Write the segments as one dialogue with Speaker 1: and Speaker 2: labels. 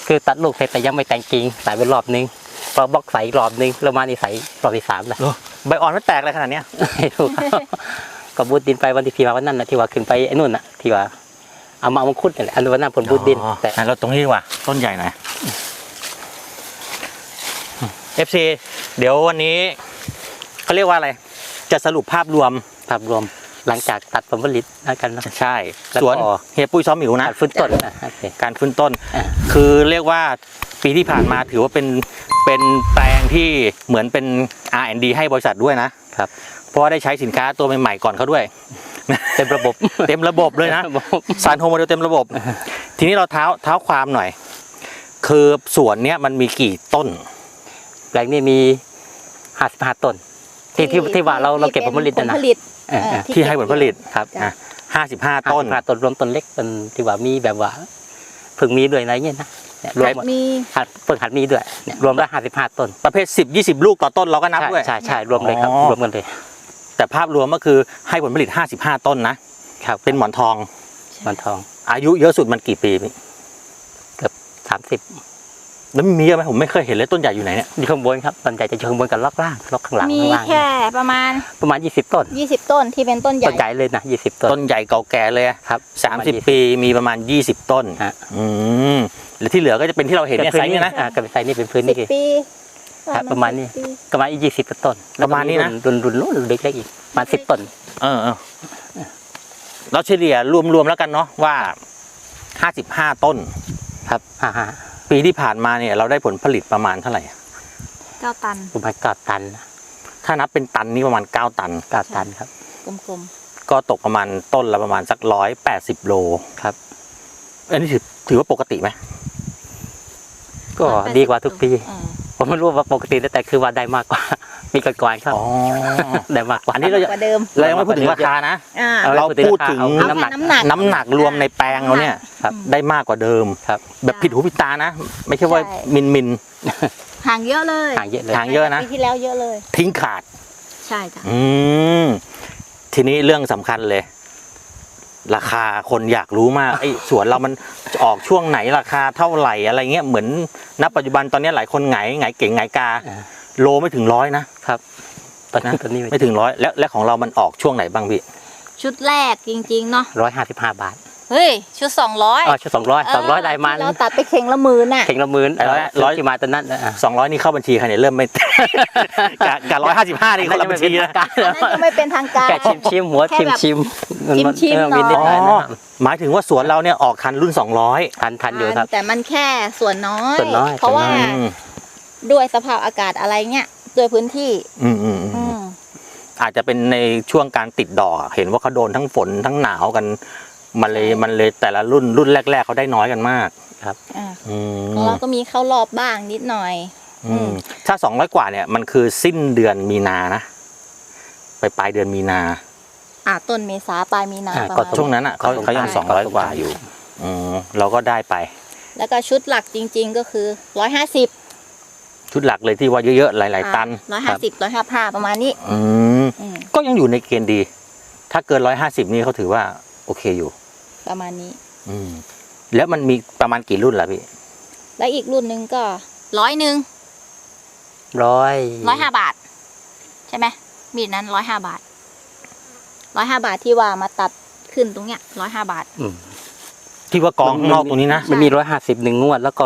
Speaker 1: คือตัดลูกเสร็จแต่ยังไม่แต่งกิ่งใส่ไปรอบนึงพอบล็อกใส่อีกรอบนึงแล้วมานี่ใส่รอบที่3แล้ว
Speaker 2: ใบอ่อนมันแตกอะไรขนาดเนี้ย
Speaker 1: ไม่รู้ก็บูดดินไปวันที่พี่มาวันนั้นนะที่ว่าขึ้นไปไอ้นู่นน่ะที่ว่าเอามามังคุดนี่แหละอันวันนั้นผลบูดดิน
Speaker 2: แต่เราตรงนี้ดีกว่าต้นใหญ่หน่อย FC เดี๋ยววันนี้เขาเรียกว่าอะไรจะสรุปภาพรวม
Speaker 1: หลังจากตัดผลผลิตแล้วกันนะ
Speaker 2: ใช่สวนเฮียปุ้ยซ้อมหมิวนะ
Speaker 1: การฟื้นต้น
Speaker 2: การฟื้นต้นคือเรียกว่าปีที่ผ่านมาถือว่าเป็นแปลงที่เหมือนเป็น R&D ให้บริษัทด้วยนะครับเพราะว่าได้ใช้สินค้าตัวใหม่ๆก่อนเขาด้วย
Speaker 1: เต็มระบบ
Speaker 2: เลยนะซานโฮโมเดลเต็มระบบทีนี้เราเท้าความหน่อยคือสวนเนี้ยมันมีกี่ต้น
Speaker 1: แปลงนี้มี55ต้นที่ว่าเราเก็บผลผลิตนะ
Speaker 2: ที่ให้ผลผลิต
Speaker 1: ครับ
Speaker 2: 55ต้น
Speaker 1: รวมต้นเล็กเป็นที่ว่ามีแบบว่าเพิ่งมีด้วยอะไรเงี้ยนะรวม
Speaker 3: มี
Speaker 1: เพิ่งหัดมีด้วยรวมแล้ว55ต้น
Speaker 2: ประเภท10-20ลูกต่อต้นเราก็นับด้วย
Speaker 1: ใช่รวมเลยครับรวมกันเลย
Speaker 2: แต่ภาพรวมก็คือให้ผลผลิต55ต้นนะครับเป็นหมอนทองอายุเยอะสุดมันกี่ปี
Speaker 1: เกือบ30
Speaker 2: แล้วมีเยอะไหมผมไม่เคยเห็นเลยต้นใหญ่อยู่ไหนเนี่ย
Speaker 1: อยู่ข้างบนครับต้นใหญ่จะอยู่ข้างบนกับล็อกล่างล็อกข้างหลัง
Speaker 3: มีแค่ประมาณ
Speaker 1: 20ต้น
Speaker 3: ต้นที่เป็นต้นใหญ่
Speaker 1: เลยนะ20ต้น
Speaker 2: ใหญ่เก่าแก่เลย
Speaker 1: ครับ
Speaker 2: 30ปีมีประมาณ20ต้นแล้วที่เหลือก็จะเป็นที่เราเห็นเนี่ยไซส์นี่นะ
Speaker 1: กับไซส์นี่เป็นพื้นนี่ประมาณนี้ประมาณ20ต้น
Speaker 2: ประมาณนี้นะ
Speaker 1: รุ่นเล็กๆอีกประมาณ10ต้น
Speaker 2: เราเฉลี่ยรวมๆแล้วกันเนาะว่า55ต้น
Speaker 1: ครับ
Speaker 2: ปีที่ผ่านมาเนี่ยเราได้ผลผลิตประมาณเท่าไหร่
Speaker 3: 9 ตัน
Speaker 1: ประมาณ9 ตัน
Speaker 2: ถ้านับเป็นตันนี่ประมาณ9 ตัน
Speaker 1: ครับ
Speaker 3: กลม
Speaker 2: ๆก็ตกประมาณต้นละประมาณสัก180โล
Speaker 1: ครับ
Speaker 2: อันนี้ถือว่าปกติไหม
Speaker 1: ก็ดีกว่าทุกปีผมไม่รู้ว่าปกติแต่คือว่าได้มากกว่ามีก่อนครับได้มากกว่า
Speaker 2: อันนี้เรายังไม่พูดถึงราคานะเราพูดถึงน้ำหนักรวมในแปลงเราเนี่ยได้มากกว่าเดิมแบบผิดหูผิดตานะไม่ใช่ว่ามิน
Speaker 3: ห่างเยอะเลย
Speaker 2: ห่างเยอะนะ
Speaker 3: ปีที่แล้วเยอะเลย
Speaker 2: ทิ้งขาด
Speaker 3: ใช่จ้ะ
Speaker 2: ทีนี้เรื่องสำคัญเลยราคาคนอยากรู้มากไอ้สวนเรามันออกช่วงไหนราคาเท่าไหร่อะไรเงี้ยเหมือนณปัจจุบันตอนนี้หลายคนไงเก่งไงกาโลไม่ถึง100นะครับ
Speaker 1: ตอนนี้
Speaker 2: ไม่ถึง100แล้วของเรามันออกช่วงไหนบ้างพี่
Speaker 3: ชุดแรกจริงๆเนาะ
Speaker 1: 155 บาท
Speaker 3: เฮ้ยชุด200
Speaker 1: ชุด200ได้มัน
Speaker 3: เราตัดไปเข่งละ10,000น่ะ
Speaker 1: เข่งละ10,000ที่มาตอนนั้น
Speaker 2: 200นี่เข้าบัญชีใครเนี่ยเริ่มไม่กับ155นี่เข้าบัญชีนะ
Speaker 3: ยังไม่เป็นทางการ
Speaker 1: แค่ชิมหัวชิม
Speaker 2: หมายถึงว่าสวนเราเนี่ยออกทันรุ่น200
Speaker 1: ทันอยู่ครับ
Speaker 3: แต่มันแค่ส่วนน้อยเพราะว่าด้วยสภาพอากาศอะไรเงี้ยด้วยพื้นที่
Speaker 2: อาจจะเป็นในช่วงการติดดอกเห็นว่าเขาโดนทั้งฝนทั้งหนาวกันมันเลยแต่ละรุ่นแรกๆเขาได้น้อยกันมาก
Speaker 1: ครับ
Speaker 3: ของเราก็มีเข้ารอบบ้างนิดหน่อย
Speaker 2: ถ้า200กว่าเนี่ยมันคือสิ้นเดือนมีนานะไปปลายเดือนมีนา
Speaker 3: ต้นเมษาปลายมีนา
Speaker 2: ช่วงนั้นอ่ะเขายัง200กว่าอยู่เราก็ได้ไป
Speaker 3: แล้วก็ชุดหลักจริงๆก็คือ150
Speaker 2: ชุดหลักเลยที่ว่าเยอะๆหลายๆตัน
Speaker 3: 150 155ประมาณนี้
Speaker 2: ก็ยังอยู่ในเกณฑ์ดีถ้าเกิน150นี่เขาถือว่าโอเคอยู่
Speaker 3: ประมาณนี้
Speaker 2: แล้วมันมีประมาณกี่รุ่นล่ะพี่
Speaker 3: แล้วอีกรุ่นนึงก็100 บาทใช่ไหมมีดนั้น105 บาท105 บาทที่ว่ามาตัดขึ้นตรงเนี้ย105 บาท
Speaker 2: ที่ว่ากองข้างนอกตรงนี้นะ
Speaker 1: มันมี150 1 งวดแล้วก็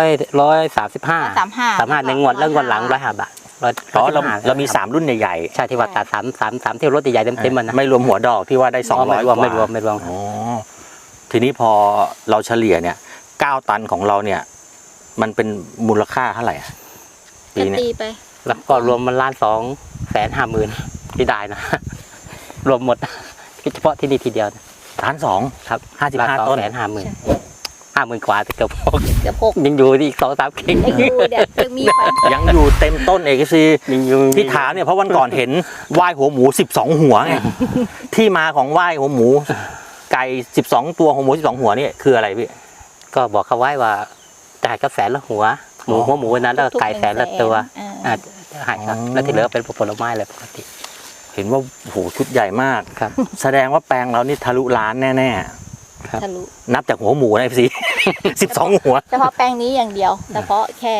Speaker 1: 135 1 งวดแล้วงวดหลัง105 บาท
Speaker 2: เรามี3รุ่นใหญ่
Speaker 1: ๆใช่ที่ว่าตัด3ที่รถใหญ่ๆเต็มๆมันนะ
Speaker 2: ไม่รวมหัวดอกที่ว่าได้200กว่า
Speaker 1: ไม่รวม
Speaker 2: ทีนี้พอเราเฉลี่ยเนี่ย9 ตันของเราเนี่ยมันเป็นมูลค่าเท่าไหร่
Speaker 3: ปีนี้ไป
Speaker 1: แล้วก็รวมมัน1,250,000ที่ได้นะรวมหมดเฉพาะที่นี่ทีเดียว
Speaker 2: 1,200,000
Speaker 1: ครับ55 ต้น50,000 กว่าแต่เกือบ6ยังอยู่อีก 2-3 เข่ง
Speaker 2: ยังอยู่เต็มต้นเอกซีที่ถามเนี่ยเพราะวันก่อนเห็นไหว้หัวหมู12 หัวไงที่มาของไหว้หัวหมูไก่12 ตัวหัวหมู12 หัวนี่คืออะไรพี่
Speaker 1: ก็บอกเขาไว้ว่าจ่ายก็100,000 ละหัวหมูนั้นแล้วไก่100,000 ละตัวหายครับแล้วที่เหลือเป็นผลไม้เลยปกติ
Speaker 2: เห็นว่าโหชุดใหญ่มาก
Speaker 1: ครับ
Speaker 2: แสดงว่าแปลงเรานี่ทะลุล้านแน่ๆ
Speaker 3: ทะลุ
Speaker 2: นับจากหัวหมูนะพี่ 12 หัว
Speaker 3: เฉพาะแปลงนี้อย่างเดียวเฉพาะแค่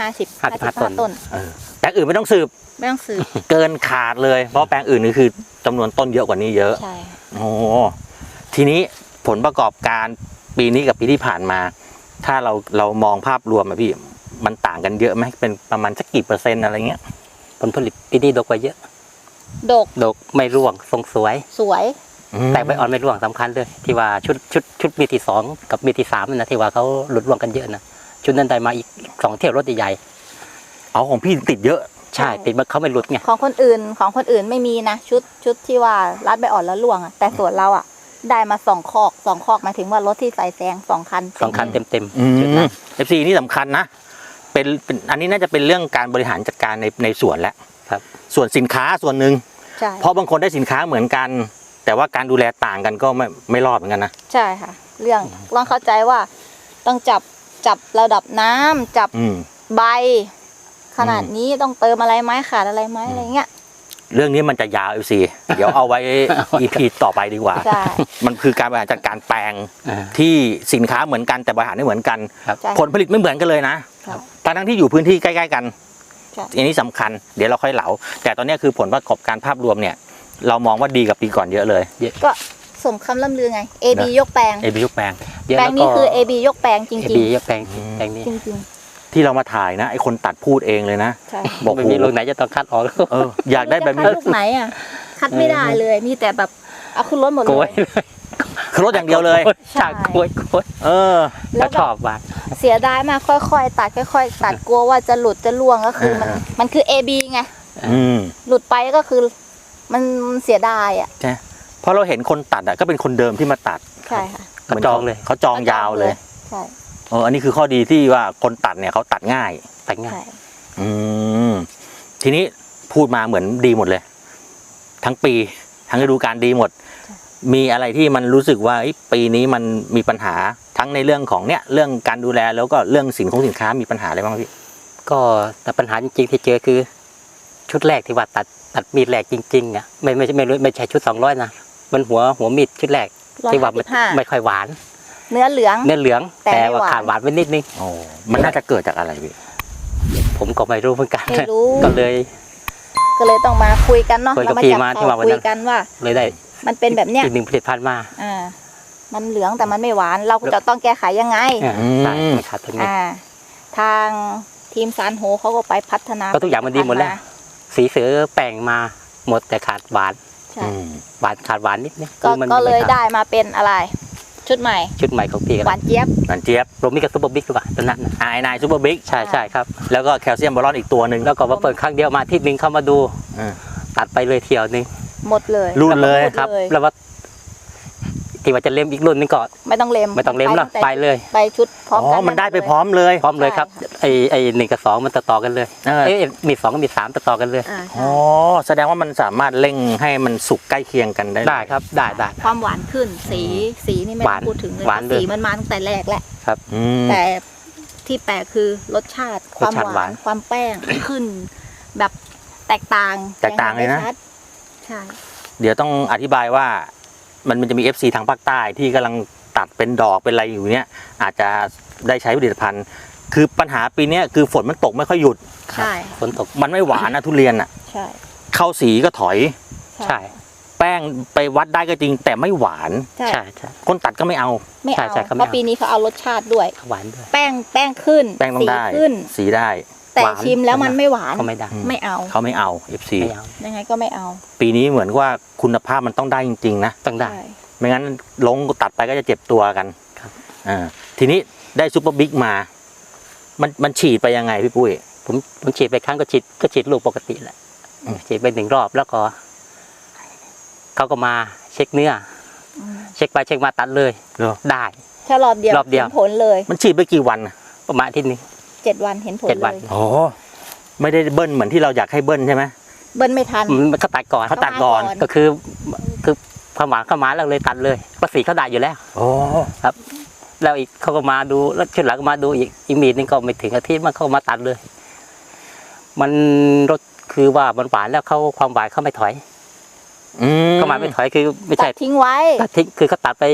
Speaker 3: 55 ต้น
Speaker 2: แปลงอื่นไม่ต้องสืบ
Speaker 3: ไม่ต้องซื้อ
Speaker 2: เกินขาดเลย เพราะแปลงอื่นนี่คือจำนวนต้นเยอะกว่านี้เยอะ
Speaker 3: ใช่
Speaker 2: โอ้ทีนี้ผลประกอบการปีนี้กับปีที่ผ่านมา ถ้าเรามองภาพรวมอะพี่มันต่างกันเยอะไหมเป็นประมาณสักกี่เปอร์เซ็นต์อะไรเงี้ย
Speaker 1: ผลผลิตปีนี้ดกกว่าเยอะ
Speaker 3: ดก
Speaker 1: ดกไม่ร่วงทรงสวย
Speaker 3: สวย
Speaker 1: แต่ใบอ่อนไม่ร่วงสำคัญเลยที่ว่าชุดมีที่2กับมีที่3นะที่ว่าเขาหลุดร่วงกันเยอะนะชุดนั้นได้มาอีก2 เที่ยวรถใหญ่
Speaker 2: เอาของพี่ติดเยอะ
Speaker 1: ๆใช่ติดมาเขาไม่หลุดไง
Speaker 3: ของคนอื่นไม่มีนะชุดที่ว่ารัดใบอ่อนแล้วร่วงอะแต่ส่วนเราอะได้มา2 คอกหมายถึงว่ารถที่ใส่แซง2 คัน
Speaker 1: 2 คันเต็ม
Speaker 2: อืม
Speaker 1: ๆชุดนั้น
Speaker 2: FC นี่สำคัญนะเป็นอันนี้น่าจะเป็นเรื่องการบริหารจัดการในสวนแล้ว
Speaker 1: ครับ
Speaker 2: ส่วนสินค้าส่วนหนึ่ง
Speaker 3: ใช่
Speaker 2: เพราะบางคนได้สินค้าเหมือนกัน แต่ว่าการดูแลต่างกันก็ไม่รอดเหมือนกันนะ
Speaker 3: ใช่ค่ะ เรื่องต้องเข้าใจว่าต้องจับระดับน้ำจับ
Speaker 2: อืม
Speaker 3: ใบ ขนาดนี้ต้องเติมอะไรไหมขาดอะไรไหมอะไรเงี้ย
Speaker 2: เรื่องนี้มันจะยาว FC เดี๋ยวเอาไว้ EP ต่อไปดีกว่า
Speaker 3: ใช่
Speaker 2: มันคือการบริหารจัดการแปลง
Speaker 1: อ่า
Speaker 2: ที่สินค้าเหมือนกันแต่บริหารไม่เหมือนกัน
Speaker 1: ครับ
Speaker 3: ใช่
Speaker 2: ผลผลิตไม่เหมือนกันเลยนะ
Speaker 3: ครับ
Speaker 2: ทั้งที่อยู่พื้นที่ใกล้ๆกัน
Speaker 3: ใช่
Speaker 2: อันนี้สำคัญเดี๋ยวเราค่อยเหลาแต่ตอนนี้คือผลประกอบการภาพรวมเนี่ย เรามองว่าดีกับปีก่อนเยอะเลย
Speaker 3: ก็สมคำล่ำลือไง AB ยกแปลง
Speaker 2: เอบียกแปลง
Speaker 1: เยอะ
Speaker 3: แปล
Speaker 1: แล้
Speaker 3: ง
Speaker 1: ว
Speaker 3: นี้
Speaker 1: ก็
Speaker 3: คือ AB ยกแปลงจ
Speaker 1: เอ
Speaker 3: ริง
Speaker 1: บีแปลงแปลงนี้
Speaker 3: ๆ จริง
Speaker 2: ที่เรามาถ่ายนะไอคนตัดพูดเองเลยนะ
Speaker 3: ๆ ใช่
Speaker 2: บอก
Speaker 1: ไม่
Speaker 2: โอ้
Speaker 1: มี
Speaker 2: โห
Speaker 1: ลูกไหนจะต้องคัดออก
Speaker 2: อยากได้แบบนี้
Speaker 3: จะคัดลูกไหนอ่ะ คัดไม่ได้เลย มีแต่แบบเอาขึ้นรถหมด
Speaker 1: โก
Speaker 3: เลย ย
Speaker 1: เลย
Speaker 2: คือรถอย่างเดียวเลย
Speaker 1: ใช่โกย
Speaker 2: เออ
Speaker 3: แล้
Speaker 1: แล้ว ว
Speaker 3: แบบ
Speaker 1: ชอบว่ะ
Speaker 3: เสียดายมากค่อยๆ ตัดค่อยๆ ตัดกลัวว่าจะหลุดจะล่วงก็คือมันคือ AB ไง
Speaker 2: อืม
Speaker 3: หลุดไปก็คือมันเสียดายอ่ะ
Speaker 2: ใช่เพราะเราเห็นคนตัดก็เป็นคนเดิมที่มาตัด
Speaker 3: ใช่ค่ะ
Speaker 1: เขาจองเลย
Speaker 2: เขาจองยาวเลย
Speaker 3: ใช่
Speaker 2: อันนี้คือข้อดีที่ว่าคนตัดเนี่ยเขาตัดง่าย
Speaker 1: แต่งงาน
Speaker 3: ใช่
Speaker 2: อืมทีนี้พูดมาเหมือนดีหมดเลย ทั้งปีทั้งฤดูกาลดีหมด มีอะไรที่มันรู้สึกว่าปีนี้มันมีปัญหาทั้งในเรื่องของเนี่ยเรื่องการดูแลแล้วก็เรื่องสินค้ามีปัญหาอะไรบ้างพี่
Speaker 1: ก็แต่ปัญหาจริงๆที่เจอคือ ชุดแรกที่ว่าตัดมีดแรกจริงๆอ่ะไม่ใช่ชุด200นะมันหัวมีดชุดแรกที่ว่าไม่ค่อยหวาน
Speaker 3: เนื้อเหลือง
Speaker 1: เนื้อเหลือง
Speaker 3: แต่
Speaker 1: แต่
Speaker 3: ไม่
Speaker 1: ว่า
Speaker 3: หวาน
Speaker 1: ขาดหวานไปนิดนึง
Speaker 2: โอ้มันน่าจะเกิดจากอะไรพี่
Speaker 1: ผมก็ไม่รู้เหมือนกัน
Speaker 3: ไม่รู้
Speaker 1: ก็เลย
Speaker 3: ก็เลยต้องมาคุยกันเนาะ
Speaker 1: คุยกับ
Speaker 3: เรามา
Speaker 1: พี่
Speaker 3: จับ
Speaker 1: มาที่
Speaker 3: เขา
Speaker 1: ว่าวัน
Speaker 3: คุ
Speaker 1: นั้
Speaker 3: ย
Speaker 1: น
Speaker 3: กันว่า
Speaker 1: เลยได้
Speaker 3: มันเป็นแบบเนี้ย
Speaker 1: อีก1 ผลิตภัณฑ์มา
Speaker 3: มันเหลืองแต่มันไม่หวาน เราจะต้องแก้ไขยังไง
Speaker 1: ใช่ไม่ขาดตรงนี้
Speaker 3: ทางทีมซานโฮเขาก็ไปพัฒนา
Speaker 1: ก็ทุกอย่างมันดีหมดแล้ว สีเสือแป้งมาหมดแต่ขาดหวาน
Speaker 3: ใช่
Speaker 1: ขาดหวานนิดนึง
Speaker 3: ก็เลยได้มาเป็นอะไร ชุดใหม่
Speaker 1: ชุดใหม่ของพี่กัน
Speaker 3: หวานเจี๊ยบ
Speaker 2: นันเจี๊ยบ
Speaker 1: โรมิกับซุปเปอร์บิ๊กหรือเปล่าตอนนั้นนะ
Speaker 2: นายซูเปอร์บิ๊ก
Speaker 1: ใช่ครับ
Speaker 2: แล้วก็แคลเซียมบอลอนอีกตัวหนึ่ง
Speaker 1: แล้วก็มาเปิดครั้งเดียวมาอาที่นึงเข้ามาดู
Speaker 2: อืม
Speaker 1: ตัดไปเลยเที่ยวนึง
Speaker 3: หมดเลย
Speaker 2: รุ่นเลย
Speaker 1: ครับ
Speaker 3: เลย
Speaker 1: แล้วว่าที่ว่าจะเล่มอีกรุ่นนึงก็
Speaker 3: ไม่ต้องเล็ม
Speaker 1: ไม่ต้องเล่มแล้วไปเลย
Speaker 3: ไปชุดพร้อมกัน
Speaker 2: มันได้ไปพร้อมเลย
Speaker 1: พร้อมเลยครับไอ้1 กับ 2มันต่อกันเลย
Speaker 2: เออ
Speaker 1: มี 2กับมี 3ต่อกันเลย
Speaker 3: อ่า
Speaker 2: อ๋
Speaker 3: ใช่
Speaker 2: อแสดงว่ามันสามารถเร่งให้มันสุกใกล้เคียงกันได้
Speaker 1: ได้ครับได้
Speaker 3: ความหวานขึ้นสีนี่ไม่
Speaker 1: ห
Speaker 3: ต้
Speaker 1: วา
Speaker 3: อน งพูดถึงเลย
Speaker 1: หวานเลย
Speaker 3: สีมันมาตั้งแต่แรกแหละ
Speaker 2: อืม
Speaker 3: แต่ที่แปลกคือรสชาติความ
Speaker 1: รสชาติ
Speaker 3: ห
Speaker 1: ห
Speaker 3: วาว
Speaker 1: าน น
Speaker 3: ความแป้ง ขึ้น แบบแตกต่าง
Speaker 2: แตกต่างเลยนะ
Speaker 3: งห็ได้ชัดใช่
Speaker 2: เดี๋ยวต้องอธิบายว่ามันจะมี FC ทางภาคใต้ที่กำลังตัดเป็นดอกเป็นอะไรอยู่เนี่ยอาจจะได้ใช้ผลิตภัณฑ์ คือปัญหาปีเนี้ยคือฝนมันตกไม่ค่อยหยุด
Speaker 3: ใช่
Speaker 1: ฝนตก
Speaker 2: มันไม่หวานนะทุเรียนอ่ะ
Speaker 3: ใช่
Speaker 2: เข้าสีก็ถอย
Speaker 1: ใช่
Speaker 2: แป้งไปวัดได้ก็จริง แต่ไม่หวาน
Speaker 3: ใช่
Speaker 1: ใช่
Speaker 2: คนตัดก็ไม่เอา
Speaker 3: ไม่เอา
Speaker 1: ใช่เขาไม่
Speaker 3: เพราะ
Speaker 1: เอา
Speaker 3: ปีนี้เขาเอารสชาติด้วย
Speaker 1: หวานด้วย
Speaker 3: แป้งขึ้น
Speaker 2: แป้งต้อง
Speaker 3: สี
Speaker 2: ได้
Speaker 3: ขึ้น
Speaker 2: สีได้
Speaker 3: แต่
Speaker 1: หวาน
Speaker 3: ชิมแล้วมันไม่หวาน
Speaker 1: ก็ไม่ได้
Speaker 3: ไม่เอา
Speaker 2: เขาไม่เอา FC
Speaker 1: ไม่เอา
Speaker 3: ยังไงก็ไม่เอา
Speaker 2: ปีนี้เหมือนว่าคุณภาพมันต้องได้จริงๆนะ
Speaker 1: ต้องได้
Speaker 3: ใช่
Speaker 2: ไม่งั้นลงตัดไปก็จะเจ็บตัวกัน
Speaker 1: ครับ
Speaker 2: ทีนี้ได้ซูเปอร์บิ๊กมา มันฉีดไปยังไงพี่ปุ้ย
Speaker 1: ผมฉีดไปครั้งก็ฉีดลูกปกติแหละ
Speaker 2: อืม
Speaker 1: ฉีดไป1 รอบแล้วก็เขาก็มาเช็คเนื้อ
Speaker 3: อืม
Speaker 1: เช็คไปเช็คมาตัดเลย
Speaker 2: เหรอ
Speaker 1: ได้
Speaker 3: แค่รอบเดียว
Speaker 1: รอบเดียว
Speaker 3: เห็นผลเลย
Speaker 2: มันฉีดไปกี่วันน่ะ
Speaker 1: ประมาณอาที่นึง
Speaker 3: 7 วันเห็นผล
Speaker 1: 7
Speaker 3: เล
Speaker 1: วัน
Speaker 3: ย
Speaker 2: โอ้ไม่ได้เบิ้ลเหมือนที่เราอยากให้เบิ้ลใช่ไหม
Speaker 3: เบิ้ลไม่ทัน
Speaker 1: มันก็ตัดก่อน
Speaker 2: เขาตัดก่อน
Speaker 1: ก็คือความหวานเข้ามาแล้วเลยตัดเลยภาษีเขาได้อยู่แล้ว
Speaker 2: โอ้
Speaker 1: แล้วอีกเขาก็มาดูแล้วชุดหลังก็มาดูอีกมีดนึงก็ไม่ถึงอาทิตย์มันเขามาตัดเลย มันรสคือว่ามันหวานแล้วเขาความหวานเขาไม่ถอย
Speaker 2: อืม
Speaker 1: เขาหมายไม่ถอยคือไม่
Speaker 3: ตั
Speaker 1: ใช่
Speaker 3: ดทิ้งไว้
Speaker 1: ตัดทิ้งคือเขาตัดไป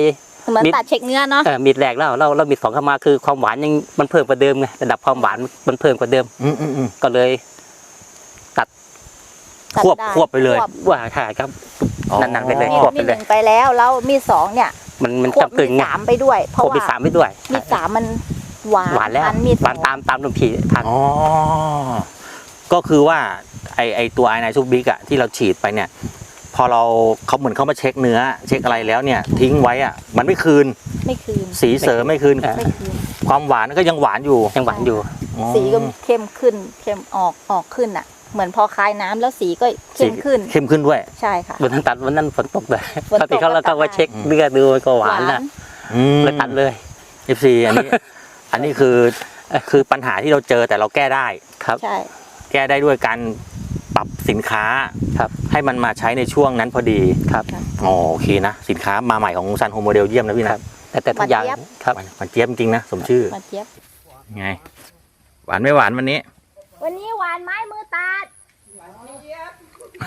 Speaker 3: เหมือนตัดเช็คเนื้อเนาะ
Speaker 1: มีดแรกแล้วเรามีดสองเข้ามาคือความหวานยังมันเพิ่มกว่าเดิมไงระดับความหวานมันเพิ่มกว่าเดิม ก็เลยตัด
Speaker 2: ควบไปเลย
Speaker 1: ว่าค่ะครับ
Speaker 2: อ๋อ
Speaker 1: นั่นๆไปเลย
Speaker 3: มี
Speaker 1: ควบ
Speaker 3: มี
Speaker 1: ไป
Speaker 3: ด
Speaker 1: เล
Speaker 3: ห
Speaker 1: ย
Speaker 3: นึ่งไปแล้วมีดสองเนี่ย
Speaker 1: มัน
Speaker 3: ควบ
Speaker 1: กึ่
Speaker 3: มี
Speaker 1: ง
Speaker 3: ด
Speaker 1: ไง
Speaker 3: สามไปด้วย เพ
Speaker 1: คว
Speaker 3: ราะ
Speaker 1: บมี
Speaker 3: ว่า
Speaker 1: สามไปด้วย
Speaker 3: มีดสามมันหวาน
Speaker 1: หวานแล้ว
Speaker 3: มีด
Speaker 1: หวานตามลมผีทาง
Speaker 2: อ๋อ ก็คือว่าไอตัวไอนายซูบิกอะที่เราฉีดไปเนี่ย พอเขาเหมือนเขามาเช็คเนื้อ เช็คอะไรแล้วเนี่ย ทิ้งไว้อะมันไม่คืน
Speaker 3: ไม่คืน
Speaker 2: สีเสริมไม่คืน
Speaker 3: ไม่คืน
Speaker 2: ความหวานก็ยังหวานอยู่
Speaker 1: ยังหวานอยู่
Speaker 2: อ๋อ
Speaker 3: สีก็เข้มขึ้นเข้มออกขึ้นอ่ะ เหมือนพอคลายน้ำแล้วสีก็เข้มขึ้น
Speaker 2: เข้มขึ้นด้วย
Speaker 3: ใช่ค่ะ
Speaker 1: วันนั้นตัดวันนั้นฝนตกเลย
Speaker 3: ฝนตก
Speaker 1: ปกติเขาแล้วก็ว่าเช็คเลือดดูมันก็หวานนะ เลยตัดเลย
Speaker 2: FC อันนี้คือปัญหาที่เราเจอแต่เราแก้ได้
Speaker 1: ครับ
Speaker 3: ใช่
Speaker 2: แก้ได้ด้วยการปรับสินค้า
Speaker 1: ครับ
Speaker 2: ให้มันมาใช้ในช่วงนั้นพอดี
Speaker 1: ครับ
Speaker 2: อ๋อโอเคนะ สินค้ามาใหม่ของซันโฮโมเดลเยี่ยมนะพี่
Speaker 1: ครั
Speaker 2: นะ
Speaker 1: บ แต่ทุกอย่างครับ
Speaker 2: มันเจี๊ยบจริงๆนะสมชื่อ
Speaker 3: มาเจี๊ยบ
Speaker 2: ไง หวานไม่หวานวันนี้
Speaker 3: วันนี้หวานไม้มือตัดหวานเจี๊ยบ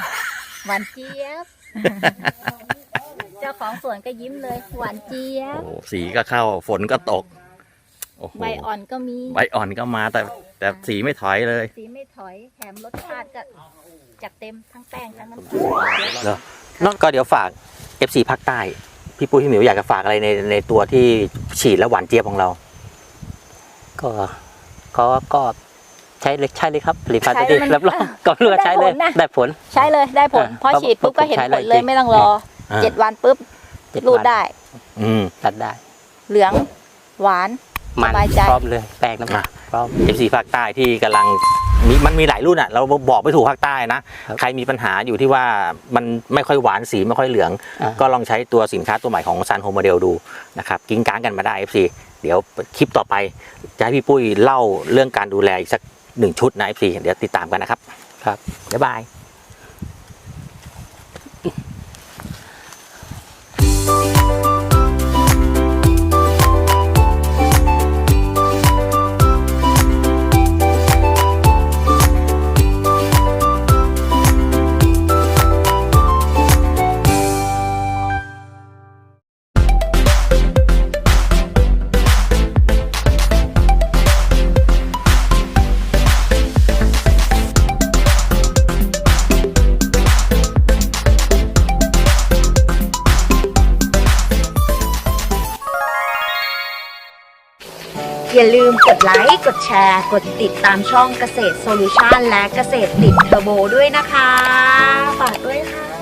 Speaker 3: เจ้าของสวนก็ยิ้มเลยหวานเจี๊ยบ
Speaker 2: โอ้สีก็เข้าฝนก็ตกโอ้โห
Speaker 3: ใบอ่อนก็มี
Speaker 2: ใบอ่อนก็มาแต่สีไม่ถอยเลย
Speaker 3: สีไม่ถอยแถมรสชาติก็จัดเต็มทั้งแป้งทั้งน้ำตาล
Speaker 2: แล้วก็เดี๋ยวฝาก FC ภาคใต้ พี่ปุ้ยพี่หมิวอยากจะฝากอะไรในตัวที่ฉีดแล้วหวานเจี๊ยบของเรา
Speaker 1: ก็ใช้เลยครับผลิตภัณฑ์ตัวนี้รับรองก็เลือกใช้เลยได้ผล
Speaker 3: ใช้เลยได้ผล พอฉีดปุ๊บก็เห็นผลเลยไม่ต้องรอ 7 วันปุ๊บ
Speaker 1: 7
Speaker 3: รูดได้
Speaker 1: ตัดได้
Speaker 3: เหลืองหวาน
Speaker 1: มัน
Speaker 3: สบายใจ
Speaker 1: พร้อมเลยแป้งน้ำมันพร้อม
Speaker 2: FC ภาคใต้ที่กำลังมันมีหลายรุ่นอ่ะเราบอกไม่ถูกภาคใต้นะครับ ใครมีปัญหาอยู่ที่ว่ามันไม่ค่อยหวานสีไม่ค่อยเหลือง ก็ลองใช้ตัวสินค้าตัวใหม่ของซันโฮโมเดลดูนะครับกิ้งก้างกันมาได้ FC เดี๋ยวคลิปต่อไปจะให้พี่ปุ้ยเล่าเรื่องการดูแลอีกสัก1 ชุดนะ FC เดี๋ยวติดตามกันนะครับ
Speaker 1: ครับ
Speaker 2: บ๊ายบาย
Speaker 4: อย่าลืมกดไลค์ กดแชร์ กดติดตามช่องเกษตรโซลูชันและเกษตรติดเทอร์โบด้วยนะคะ ฝากด้วยค่ะ